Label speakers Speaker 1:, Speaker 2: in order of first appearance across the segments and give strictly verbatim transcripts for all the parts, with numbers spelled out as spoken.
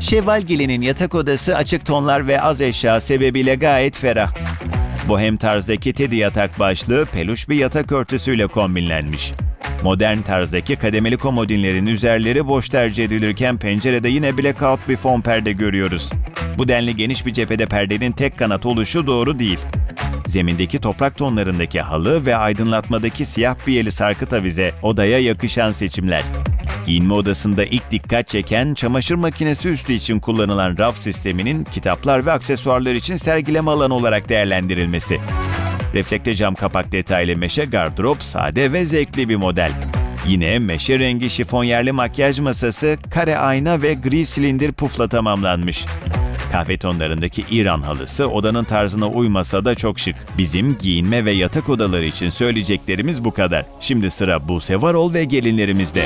Speaker 1: Şevval Gelin'in yatak odası açık tonlar ve az eşya sebebiyle gayet ferah. Bohem tarzdaki teddy yatak başlığı peluş bir yatak örtüsüyle kombinlenmiş. Modern tarzdaki kademeli komodinlerin üzerleri boş tercih edilirken pencerede yine blackout bir fon perde görüyoruz. Bu denli geniş bir cephede perdenin tek kanat oluşu doğru değil. Zemindeki toprak tonlarındaki halı ve aydınlatmadaki siyah biyeli sarkıt avize odaya yakışan seçimler. Giyinme odasında ilk dikkat çeken çamaşır makinesi üstü için kullanılan raf sisteminin kitaplar ve aksesuarlar için sergileme alanı olarak değerlendirilmesi. Reflekte cam kapak detaylı meşe gardırop sade ve zevkli bir model. Yine meşe rengi şifonyerli makyaj masası, kare ayna ve gri silindir pufla tamamlanmış. Kahve tonlarındaki İran halısı odanın tarzına uymasa da çok şık. Bizim giyinme ve yatak odaları için söyleyeceklerimiz bu kadar. Şimdi sıra Buse Varol ve gelinlerimizde.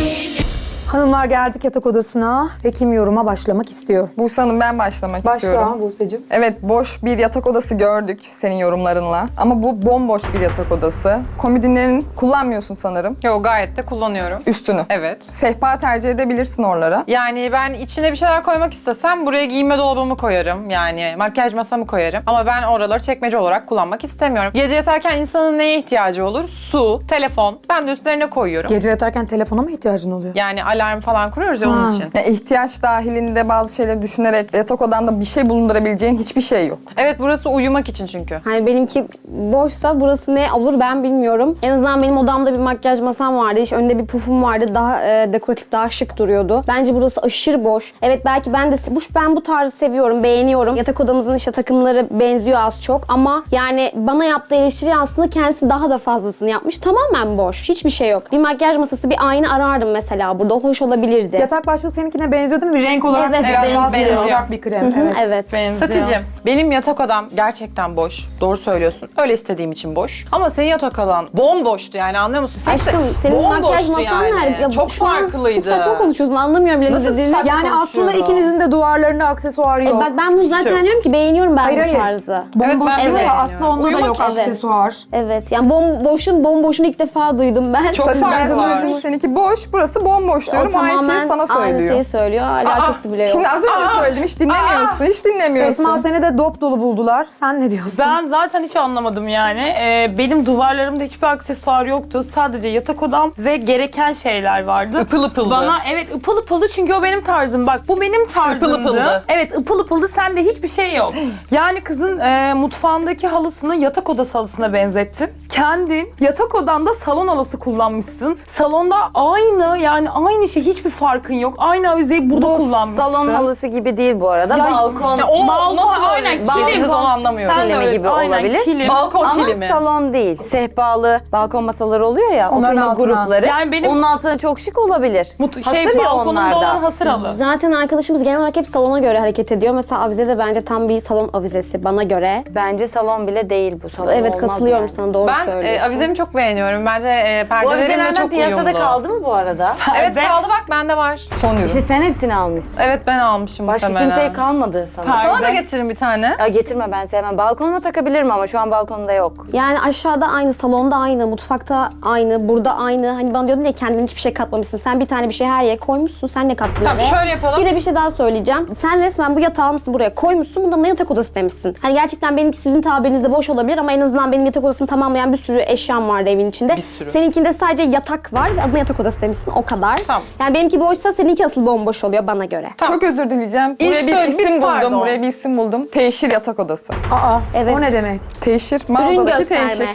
Speaker 2: Hanımlar geldik yatak odasına ve kim yoruma başlamak istiyor?
Speaker 3: Buse Hanım, ben başlamak istiyorum.
Speaker 2: Başla Buse'cim.
Speaker 3: Evet, boş bir yatak odası gördük senin yorumlarınla. Ama bu bomboş bir yatak odası. Komodinlerin kullanmıyorsun sanırım.
Speaker 4: Yok, gayet de kullanıyorum.
Speaker 3: Üstünü.
Speaker 4: Evet.
Speaker 3: Sehpa tercih edebilirsin oralara.
Speaker 4: Yani ben içine bir şeyler koymak istesem buraya giyinme dolabımı koyarım. Yani makyaj masamı koyarım. Ama ben oraları çekmece olarak kullanmak istemiyorum. Gece yatarken insanın neye ihtiyacı olur? Su, telefon. Ben de üstlerine koyuyorum.
Speaker 2: Gece yatarken telefona mı ihtiyacın oluyor?
Speaker 4: Yani alarm falan kuruyoruz ya onun
Speaker 2: Ha.
Speaker 4: için.
Speaker 3: Yani ihtiyaç dahilinde bazı şeyleri düşünerek yatak odanda bir şey bulundurabileceğin hiçbir şey yok.
Speaker 4: Evet, burası uyumak için çünkü.
Speaker 5: Hani benimki boşsa burası ne olur ben bilmiyorum. En azından benim odamda bir makyaj masam vardı. İşte önünde bir pufum vardı. Daha e, dekoratif, daha şık duruyordu. Bence burası aşırı boş. Evet, belki ben de bu ben bu tarzı seviyorum, beğeniyorum. Yatak odamızın işte takımları benziyor az çok ama yani bana yaptığı eleştiri aslında kendisi daha da fazlasını yapmış. Tamamen boş. Hiçbir şey yok. Bir makyaj masası, bir ayna arardım mesela burada. Hoş olabilirdi.
Speaker 2: Yatak başlığı seninkine benziyor değil mi? Bir renk olarak
Speaker 5: Evet,
Speaker 2: biraz daha
Speaker 5: benziyor.
Speaker 2: sıcak bir krem.
Speaker 5: Hı hı,
Speaker 2: Evet.
Speaker 5: evet.
Speaker 4: Benziyor. Satıcım, benim yatak odam gerçekten boş. Doğru söylüyorsun. Öyle istediğim için boş. Ama senin yatak odan bomboştu yani, anlıyor musun?
Speaker 5: Aşkım, senin makyaj
Speaker 4: bomboştu
Speaker 5: masan
Speaker 4: yani.
Speaker 5: nerede? Ya
Speaker 4: Çok
Speaker 5: şu an
Speaker 4: farklıydı.
Speaker 5: Çok saçma konuşuyorsun, anlamıyorum bile.
Speaker 4: Nasıl
Speaker 5: dediğini.
Speaker 4: saçma?
Speaker 2: Yani aslında
Speaker 4: konuşuyorum.
Speaker 2: ikinizin de duvarlarında aksesuar
Speaker 5: E
Speaker 2: yok.
Speaker 5: bak ben bunu zaten
Speaker 4: yok.
Speaker 5: diyorum ki beğeniyorum ben
Speaker 2: Hayır,
Speaker 5: bu
Speaker 2: hayır.
Speaker 5: tarzı.
Speaker 2: Bomboş
Speaker 4: Evet, ben de
Speaker 2: değil mi?
Speaker 4: beğeniyorum.
Speaker 2: Aslında onda da
Speaker 4: Uyumak
Speaker 2: yok
Speaker 4: için.
Speaker 2: aksesuar.
Speaker 5: Evet, yani bomboşun bomboşunu ilk defa duydum ben.
Speaker 4: Çok
Speaker 3: Zaten
Speaker 4: farkı var.
Speaker 3: bizim seninki boş, burası bomboş diyorum.
Speaker 5: O
Speaker 3: Aynı şeyi
Speaker 5: tamamen
Speaker 3: sana
Speaker 5: aynı
Speaker 3: söylüyor.
Speaker 5: şeyi söylüyor. Alakası bile yok.
Speaker 3: Şimdi az önce söyledim, hiç dinlemiyorsun, hiç dinlemiyorsun.
Speaker 2: Esma seni de dop dolu buldular. Sen ne diyorsun?
Speaker 6: Ben zaten hiç anlamadım yani. Ee, benim duvarlarımda hiçbir aksesuar yoktu. Sadece yatak odam ve gereken şeyler vardı.
Speaker 4: Ipıl ıpıldı.
Speaker 6: Bana evet ıpıl ıpıldı çünkü o benim tarzım. Bak bu benim tarzımdı.
Speaker 4: ıpıldı.
Speaker 6: Evet, ıpıl ıpıldı, sende hiçbir şey yok. Yani kızın e, mutfağındaki halısını yatak odası halısına benzettin. Kendin yatak odanda salon halısı kullanmışsın. Salonda aynı, yani aynı şey, hiçbir farkın yok. Aynı avizeyi burada
Speaker 7: Bu
Speaker 6: kullanmışsın.
Speaker 7: salon halısı gibi değil bu arada.
Speaker 6: Ya-
Speaker 7: balkon.
Speaker 4: Ya o
Speaker 6: Balkon,
Speaker 4: nasıl
Speaker 6: aynen,
Speaker 4: öyle?
Speaker 6: kilim.
Speaker 4: Kız onu anlamıyorum.
Speaker 6: Sen de
Speaker 7: Kilimi
Speaker 6: öyle,
Speaker 7: gibi
Speaker 6: aynen,
Speaker 7: olabilir.
Speaker 6: kilim.
Speaker 4: Balkon
Speaker 7: Ama
Speaker 4: kilimi.
Speaker 7: salon değil. Sehpalı balkon masaları oluyor ya,
Speaker 2: Onların
Speaker 7: oturma
Speaker 2: altına.
Speaker 7: grupları.
Speaker 6: Yani benim-
Speaker 7: Onun altına çok şık olabilir.
Speaker 6: Mut-
Speaker 7: Hasır
Speaker 6: şey,
Speaker 7: ya
Speaker 6: balkonumda
Speaker 7: onlar
Speaker 6: olan
Speaker 7: da.
Speaker 6: hasır halı.
Speaker 5: Zaten arkadaşımız genel olarak hep salona göre hareket ediyor. Mesela avize de bence tam bir salon avizesi bana göre.
Speaker 7: Bence salon bile değil bu salon.
Speaker 5: Evet,
Speaker 7: olmaz
Speaker 5: katılıyorum
Speaker 7: yani.
Speaker 5: sana, doğru
Speaker 4: Ben
Speaker 5: söylüyorsun.
Speaker 4: e, avizemi çok beğeniyorum. Bence e,
Speaker 7: Bu
Speaker 4: perdelerimle
Speaker 7: avizelerden
Speaker 4: çok
Speaker 7: piyasada
Speaker 4: uyumlu.
Speaker 7: kaldı mı bu arada?
Speaker 4: Evet,
Speaker 6: Perde.
Speaker 4: kaldı, bak bende var.
Speaker 3: Son ürün.
Speaker 7: İşte sen hepsini almışsın.
Speaker 4: Evet, ben almışım
Speaker 7: Başka
Speaker 4: muhtemelen.
Speaker 7: kimseye kalmadı sana.
Speaker 6: Perde.
Speaker 4: Sana da getirin bir tane.
Speaker 7: Ya getirme, ben sevmem. Balkonuma takabilirim ama şu an balkonumda yok.
Speaker 5: Yani aşağıda aynı, salonda aynı, mutfakta aynı, burada aynı. Hani bana diyordun ya kendin hiçbir şey katmamışsın. Sen bir tane bir şey her yere koymuşsun. Sen ne kattın
Speaker 4: Tamam,
Speaker 5: eve?
Speaker 4: şöyle yapalım.
Speaker 5: Bir de bir şey daha söyleyeceğim. Sen resmen bu yatağı almışsın buraya koymuşsun. Bundan ne yatak odası demişsin. Hani gerçekten benimki sizin tabirinizde boş olabilir ama en azından benim yatak odasını tamamlayan bir sürü eşyam vardı evin içinde.
Speaker 4: Bir sürü.
Speaker 5: Seninkinde sadece yatak var ve adına yatak odası demişsin. O kadar.
Speaker 4: Tamam.
Speaker 5: Yani benimki boşsa seninki asıl bomboş oluyor bana göre.
Speaker 3: Çok özür dileyeceğim.
Speaker 4: İlk
Speaker 3: Buraya bir
Speaker 4: söyle-
Speaker 3: isim
Speaker 4: bir
Speaker 3: buldum.
Speaker 4: pardon.
Speaker 3: Buraya bir isim buldum. Teşhir yatak odası.
Speaker 2: Aa,
Speaker 5: Evet.
Speaker 2: o ne demek?
Speaker 3: Teşhir,
Speaker 5: Ürün
Speaker 3: mağazadaki
Speaker 5: gösterme.
Speaker 3: teşhir.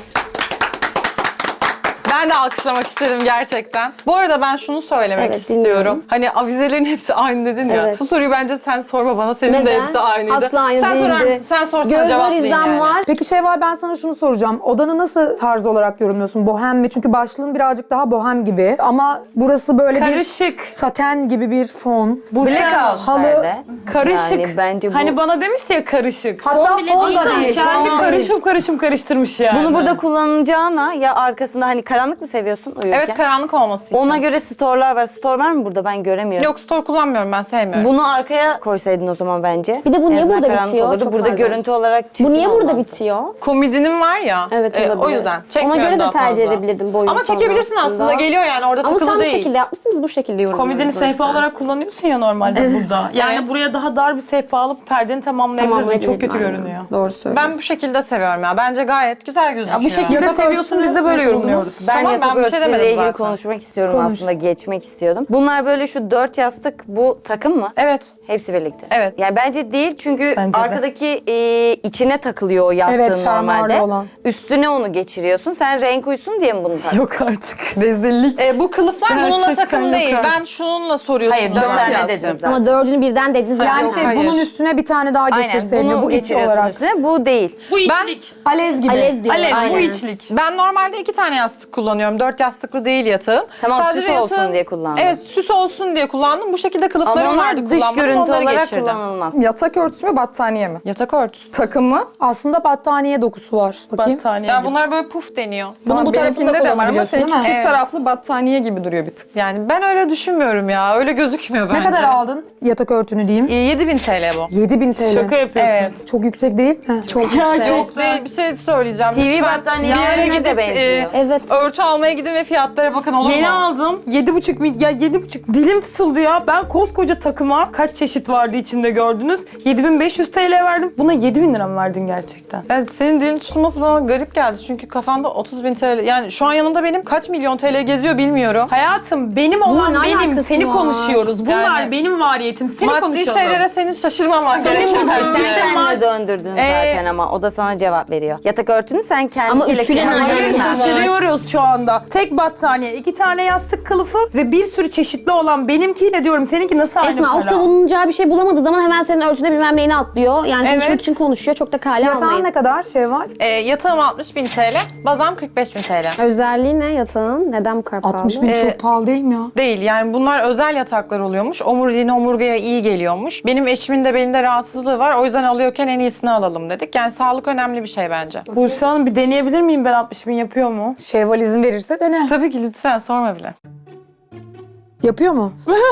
Speaker 4: Ben de alkışlamak isterim gerçekten. Bu arada ben şunu söylemek
Speaker 5: Evet,
Speaker 4: istiyorum.
Speaker 5: dinliyorum.
Speaker 4: Hani avizelerin hepsi aynı dedin ya.
Speaker 5: Evet.
Speaker 4: Bu soruyu bence sen sorma bana. Senin de
Speaker 5: Neden?
Speaker 4: hepsi aynıydı.
Speaker 5: Asla aynı
Speaker 4: sen
Speaker 5: değildi.
Speaker 4: sorar mısın? Sen sorsan
Speaker 5: Göz var,
Speaker 4: cevaplayayım
Speaker 5: izlem
Speaker 4: yani.
Speaker 5: var.
Speaker 2: Peki Şevval, ben sana şunu soracağım. Odanı nasıl tarz olarak yorumluyorsun? Bohem mi? Çünkü başlığın birazcık daha bohem gibi. Ama burası böyle
Speaker 6: Karışık.
Speaker 2: bir saten gibi bir fon.
Speaker 6: Bu
Speaker 7: Blackout
Speaker 2: halı-
Speaker 7: nerede?
Speaker 6: Karışık.
Speaker 7: Yani bence bu...
Speaker 6: Hani bana demişti ya karışık.
Speaker 2: Hatta
Speaker 5: bile
Speaker 2: fon
Speaker 5: değil
Speaker 2: da
Speaker 5: sanki.
Speaker 2: değil.
Speaker 6: Kendi
Speaker 2: fon değil.
Speaker 6: karışım karışım karıştırmış yani.
Speaker 7: Bunu burada kullanacağına ya arkasında hani karanlık karanlık mı seviyorsun uyurken?
Speaker 4: Evet, karanlık olması için.
Speaker 7: Ona göre store'lar var. Store var mı burada? Ben göremiyorum.
Speaker 4: Yok, store kullanmıyorum, ben sevmiyorum.
Speaker 7: Bunu arkaya koysaydın o zaman bence.
Speaker 5: Bir de bu
Speaker 7: En
Speaker 5: niye
Speaker 7: azından
Speaker 5: burada
Speaker 7: karanlık
Speaker 5: bitiyor?
Speaker 7: olurdu.
Speaker 5: Çok
Speaker 7: Burada
Speaker 5: pardon.
Speaker 7: görüntü olarak çirkin
Speaker 5: Bu niye burada
Speaker 7: olmazdı.
Speaker 5: bitiyor?
Speaker 4: Komedinim var ya.
Speaker 5: Evet
Speaker 4: e,
Speaker 5: olabilir.
Speaker 4: o yüzden.
Speaker 5: Ona
Speaker 4: Çekmiyorum
Speaker 5: göre de
Speaker 4: daha
Speaker 5: tercih
Speaker 4: fazla.
Speaker 5: edebilirdim boyun
Speaker 4: Ama
Speaker 5: falan
Speaker 4: çekebilirsin aslında. Geliyor yani, orada
Speaker 5: Ama
Speaker 4: takılı
Speaker 5: sen bu
Speaker 4: değil.
Speaker 5: şekilde yapmışsın, biz bu şekilde yorumluyoruz.
Speaker 6: Komedini
Speaker 5: o yüzden.
Speaker 6: sehpa olarak kullanıyorsun ya normalde burada. Yani
Speaker 4: Evet.
Speaker 6: buraya daha dar bir sehpa alıp perdeni tamamlayabilirdin. Çok kötü
Speaker 5: Aynen.
Speaker 6: görünüyor.
Speaker 5: Doğru söylüyorsun.
Speaker 4: Ben bu şekilde seviyorum ya. Bence gayet güzel gözüküyor.
Speaker 6: Ya bu şekilde
Speaker 2: Yatak
Speaker 6: seviyorsun, biz de böyle
Speaker 2: örtüsünü
Speaker 6: yorumluyoruz.
Speaker 7: Ben
Speaker 4: Tamam,
Speaker 7: yatak
Speaker 4: ben bir şey
Speaker 7: örtüsüyle
Speaker 4: demedim
Speaker 7: ilgili
Speaker 4: zaten.
Speaker 7: konuşmak istiyorum
Speaker 2: Konuş.
Speaker 7: aslında. Geçmek istiyordum. Bunlar böyle şu dört yastık bu takım mı?
Speaker 4: Evet.
Speaker 7: Hepsi birlikte.
Speaker 4: Evet.
Speaker 7: Yani bence değil çünkü
Speaker 6: Bence de.
Speaker 7: arkadaki e, içine takılıyor o yastığın
Speaker 2: Evet, fermuarlı
Speaker 7: normalde.
Speaker 2: olan.
Speaker 7: Üstüne onu geçiriyorsun. Sen renk uysun diye mi bunu taktın?
Speaker 6: Yok artık.
Speaker 2: Rezillik.
Speaker 4: E, bu kılıflar bununla
Speaker 6: Gerçekten
Speaker 4: takım
Speaker 6: yok
Speaker 4: değil.
Speaker 6: artık.
Speaker 4: Ben şununla soruyorsunuz.
Speaker 7: Hayır dört
Speaker 4: bana.
Speaker 7: tane
Speaker 3: yastık.
Speaker 7: dedim zaten.
Speaker 5: Ama dördünü birden dediniz
Speaker 2: Yani
Speaker 5: zaten.
Speaker 2: şey
Speaker 4: hayır.
Speaker 2: bunun üstüne bir tane daha
Speaker 7: Aynen
Speaker 2: geçirseydin.
Speaker 7: bunu
Speaker 2: Bu iki
Speaker 7: geçiriyorsun
Speaker 2: olarak.
Speaker 7: üstüne. Bu değil.
Speaker 6: Bu içlik.
Speaker 2: Alez gibi.
Speaker 5: Alez diyor.
Speaker 6: Alev bu
Speaker 5: aynen.
Speaker 6: içlik.
Speaker 4: Ben normalde iki tane yastık kullanıyorum. Dört yastıklı değil yatağım.
Speaker 7: Tamam, süs olsun
Speaker 4: yatağım-
Speaker 7: diye kullandın.
Speaker 4: Evet, süs olsun diye kullandım. Bu şekilde
Speaker 7: Ama
Speaker 4: kılıflarım vardı.
Speaker 7: onlar dış
Speaker 4: kullanmadım,
Speaker 7: görüntü
Speaker 4: onları
Speaker 7: olarak
Speaker 4: geçirdim.
Speaker 7: kullanılmaz.
Speaker 3: Yatak örtüsü mü battaniye mi?
Speaker 4: Yatak örtüsü.
Speaker 3: Takım mı?
Speaker 2: Aslında battaniye dokusu var. Bakayım.
Speaker 6: Battaniye
Speaker 4: Ya
Speaker 6: gibi.
Speaker 4: bunlar böyle puf deniyor.
Speaker 2: Bunun bu tarafında
Speaker 3: benimkinde de var ama
Speaker 2: kullanabiliyorsun,
Speaker 3: seninki
Speaker 2: değil mi?
Speaker 3: çift
Speaker 4: Evet.
Speaker 3: taraflı battaniye gibi duruyor bir tık.
Speaker 4: Yani ben öyle düşünmüyorum ya. Öyle gözükmüyor bence.
Speaker 2: Ne kadar aldın yatak örtünü diyeyim?
Speaker 4: E, yedi bin T L bu.
Speaker 2: yedi bin T L.
Speaker 6: Şaka yapıyorsun.
Speaker 4: Evet.
Speaker 2: Çok yüksek değil mi? Çok
Speaker 4: Yok değil, bir şey söyleyeceğim.
Speaker 7: T V
Speaker 4: Lütfen
Speaker 7: battaniye
Speaker 4: bir yere
Speaker 7: haline de
Speaker 4: gidip
Speaker 7: benziyor.
Speaker 5: Evet.
Speaker 4: örtü almaya gidin ve fiyatlara bakın, olur
Speaker 6: Yeni
Speaker 4: mu?
Speaker 6: aldım. Yedi buçuk mil, ya yedi buçuk dilim tutuldu ya. Ben koskoca takıma kaç çeşit vardı içinde gördünüz. yedi bin beş yüz T L verdim. Buna yedi bin lira mı verdin gerçekten?
Speaker 4: Yani senin dilin tutulması bana garip geldi. Çünkü kafanda otuz bin T L. Yani şu an yanımda benim kaç milyon T L geziyor bilmiyorum.
Speaker 6: Hayatım benim olan
Speaker 5: ne
Speaker 6: benim.
Speaker 5: alakası
Speaker 6: Seni
Speaker 5: var?
Speaker 6: konuşuyoruz. Bunlar
Speaker 4: Yani-
Speaker 6: benim variyetim. Seni
Speaker 4: Maddi
Speaker 6: konuşalım.
Speaker 4: şeylere senin şaşırmaman
Speaker 6: Senin
Speaker 4: gerekiyor.
Speaker 6: bu-
Speaker 4: bence.
Speaker 6: İşte
Speaker 7: Sen
Speaker 6: ma-
Speaker 7: de döndürdün
Speaker 6: Ee,
Speaker 7: zaten ama o da sana cevap veriyor. Yatak örtünü sen
Speaker 5: Ama
Speaker 7: kendiyle
Speaker 5: üstüne
Speaker 7: kendin
Speaker 5: nazar
Speaker 6: Hayır,
Speaker 5: Aynen.
Speaker 6: şaşırıyoruz şu anda. Tek battaniye, iki tane yastık kılıfı ve bir sürü çeşitli olan benimkiyle diyorum. Seninki nasıl aynı
Speaker 5: Esma o
Speaker 6: para?
Speaker 5: savunacağı bir şey bulamadığı zaman hemen senin örtüne bilmem neyini atlıyor. Yani konuşmak
Speaker 6: Evet.
Speaker 5: için konuşuyor. Çok da kale
Speaker 2: Yatağın
Speaker 5: almayın.
Speaker 2: ne kadar şey var?
Speaker 4: E, yatağım altmış bin T L, bazam kırk beş bin T L.
Speaker 5: Özelliği ne yatağın? Neden bu kadar pahalı?
Speaker 2: altmış bin
Speaker 4: Ee,
Speaker 2: çok pahalı değil mi ya?
Speaker 4: Değil, yani bunlar özel yataklar oluyormuş. Omuriliğine, omurgaya iyi geliyormuş. Benim eşimin de belinde rahatsızlığı var. O yüzden alıyorken en iyisini alalım dedik. Yani sağlık önemli bir şey bence.
Speaker 6: Buse Hanım bir deneyebilir miyim ben altmış bin yapıyor mu?
Speaker 2: Şevval izin verirse dene.
Speaker 4: Tabii ki, lütfen sorma bile.
Speaker 2: Yapıyor mu?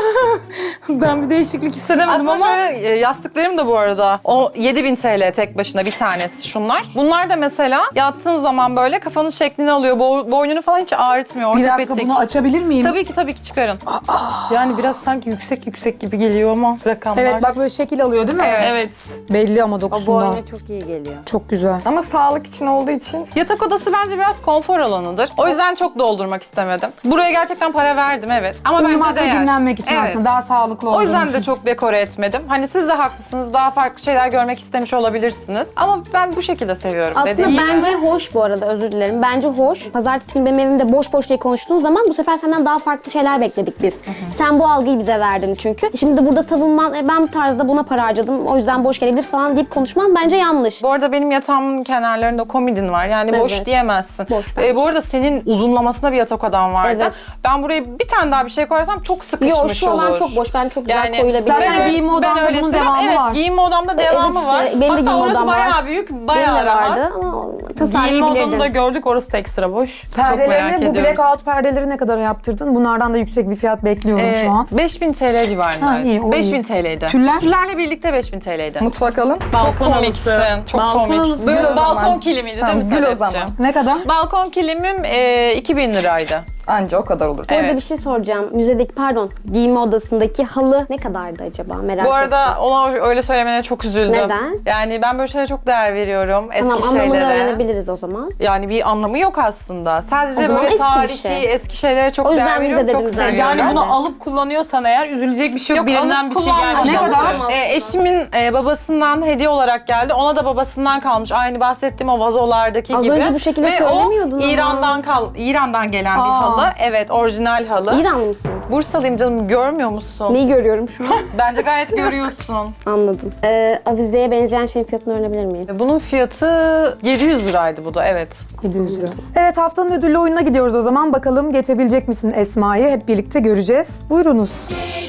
Speaker 6: Ben bir değişiklik hissedemedim
Speaker 4: Aslında
Speaker 6: ama.
Speaker 4: şöyle e, yastıklarım da bu arada o yedi bin T L tek başına bir tanesi şunlar. Bunlar da mesela yattığın zaman böyle kafanın şeklini alıyor. Bo- boynunu falan hiç ağrıtmıyor.
Speaker 2: Bir dakika
Speaker 4: Ortopedik.
Speaker 2: bunu açabilir miyim?
Speaker 4: Tabii ki tabii ki çıkarın.
Speaker 6: Yani biraz sanki yüksek yüksek gibi geliyor ama rakamlar.
Speaker 2: Evet bak böyle şekil alıyor değil mi?
Speaker 4: Evet.
Speaker 6: Evet.
Speaker 2: Belli ama
Speaker 7: O
Speaker 2: dokusundan.
Speaker 7: boyuna çok iyi geliyor.
Speaker 2: Çok güzel.
Speaker 3: Ama sağlık için olduğu için
Speaker 4: Yatak odası bence biraz konfor alanıdır. O yüzden çok doldurmak istemedim. Buraya gerçekten para verdim, evet. Ama
Speaker 2: Uyumak
Speaker 4: bence
Speaker 2: ve
Speaker 4: değer.
Speaker 2: dinlenmek için
Speaker 4: Evet.
Speaker 2: aslında daha sağlıklı olduğunu
Speaker 4: O yüzden de
Speaker 2: için.
Speaker 4: çok dekore etmedim. Hani siz de haklısınız. Daha farklı şeyler görmek istemiş olabilirsiniz. Ama ben bu şekilde seviyorum.
Speaker 5: Aslında
Speaker 4: dediğim gibi.
Speaker 5: bence hoş bu arada, özür dilerim. Bence hoş. Pazartesi günü benim evimde boş boş diye konuştuğun zaman bu sefer senden daha farklı şeyler bekledik biz. Sen bu algıyı bize verdin çünkü. Şimdi de burada savunman, e, ben bu tarzda buna para harcadım, o yüzden boş gelebilir falan deyip konuşman bence yanlış.
Speaker 4: Bu arada benim yatağımın kenarlarında komodin var. Yani boş
Speaker 5: Evet.
Speaker 4: diyemezsin.
Speaker 5: Boş bence.
Speaker 4: Ee, bu arada senin uzunlamasına bir yatak odan vardı.
Speaker 5: Evet.
Speaker 4: Ben buraya bir tane daha bir şey koyarsam çok sıkışmış
Speaker 5: Yok şu
Speaker 4: olur.
Speaker 5: alan çok boş, ben çok güzel
Speaker 4: Yani
Speaker 5: koyulabilir.
Speaker 2: zaten
Speaker 4: ben öyle-
Speaker 2: giyinme odamda
Speaker 4: ben öyle
Speaker 2: bunun
Speaker 4: seviyorum.
Speaker 2: devamı
Speaker 4: evet,
Speaker 2: var.
Speaker 4: giyinme odamda devamı
Speaker 5: işte,
Speaker 4: var.
Speaker 5: benim de
Speaker 4: Hatta
Speaker 5: giyinme
Speaker 4: orası
Speaker 5: odam var.
Speaker 4: bayağı büyük,
Speaker 5: Benim
Speaker 4: bayağı
Speaker 5: de
Speaker 4: rahat.
Speaker 5: vardı ama
Speaker 6: Giyinme odamı da
Speaker 5: tasarlayabilirdin.
Speaker 6: gördük, orası da ekstra boş.
Speaker 4: merak
Speaker 2: Perdelerini, bu
Speaker 4: ediyoruz.
Speaker 2: blackout perdeleri ne kadar yaptırdın? Bunlardan da yüksek bir fiyat bekliyorum
Speaker 4: Ee,
Speaker 2: şu an.
Speaker 4: beş bin T L
Speaker 2: Ha,
Speaker 4: civarındaydı.
Speaker 2: iyi, o
Speaker 4: beş bin
Speaker 2: iyi.
Speaker 4: T L'ydi.
Speaker 2: Tüller?
Speaker 4: Tüllerle birlikte beş bin T L'ydi.
Speaker 3: mutfak alın.
Speaker 6: Balkon
Speaker 4: Çok
Speaker 6: halısı.
Speaker 4: komiksin. Çok
Speaker 6: Balkon
Speaker 4: komiksin.
Speaker 6: halısı.
Speaker 4: Böyle
Speaker 3: Gül o
Speaker 4: balkon
Speaker 3: zaman.
Speaker 4: kilimiydi
Speaker 3: Tamam,
Speaker 4: değil mi
Speaker 3: gül o
Speaker 4: Sedefciğim?
Speaker 3: zaman.
Speaker 2: Ne kadar?
Speaker 4: Balkon kilimim e, iki bin liraydı.
Speaker 3: Anca o kadar olur.
Speaker 5: Burada
Speaker 4: Evet.
Speaker 5: bir şey soracağım. Müzedeki, pardon, giyinme odasındaki halı ne kadardı acaba? Merak
Speaker 4: Bu arada
Speaker 5: ettim.
Speaker 4: ona öyle söylemene çok üzüldüm.
Speaker 5: Neden?
Speaker 4: Yani ben böyle şeylere çok değer veriyorum. Eski
Speaker 5: Tamam, anlamını
Speaker 4: şeylere.
Speaker 5: öğrenebiliriz o zaman.
Speaker 4: Yani bir anlamı yok aslında. Sadece
Speaker 5: O zaman
Speaker 4: böyle
Speaker 5: eski bir
Speaker 4: tarihi,
Speaker 5: şey.
Speaker 4: eski şeylere çok
Speaker 5: O yüzden
Speaker 4: değer
Speaker 5: bize
Speaker 4: veriyorum. Çok
Speaker 5: dedim zaten.
Speaker 4: seviyorum.
Speaker 6: Yani bunu
Speaker 5: Ben de.
Speaker 6: alıp kullanıyorsan eğer üzülecek bir şey yok.
Speaker 4: Yok,
Speaker 6: Birinden
Speaker 4: alıp
Speaker 6: bir şey
Speaker 4: kullanmadım.
Speaker 6: gelmiş.
Speaker 2: Ne kadar?
Speaker 4: E, eşimin e, babasından hediye olarak geldi. Ona da babasından kalmış. Aynı bahsettiğim o vazolardaki
Speaker 5: Az
Speaker 4: gibi.
Speaker 5: önce bu şekilde
Speaker 4: Ve
Speaker 5: söylemiyordun
Speaker 4: o
Speaker 5: ama.
Speaker 4: İran'dan kal İran'dan gelen bir
Speaker 2: Aa.
Speaker 4: halı. Evet, orijinal halı.
Speaker 5: İranlı mısın?
Speaker 4: Bursalıyım canım, görmüyor musun?
Speaker 5: Neyi görüyorum şu an?
Speaker 4: Bence gayet görüyorsun.
Speaker 5: Anladım. Ee, avizeye benzeyen şeyin fiyatını öğrenebilir miyim?
Speaker 4: Bunun fiyatı yedi yüz liraydı bu da, evet.
Speaker 2: yedi yüz lira. Evet, haftanın ödüllü oyununa gidiyoruz o zaman. Bakalım geçebilecek misin Esma'yı? Hep birlikte göreceğiz. Buyurunuz.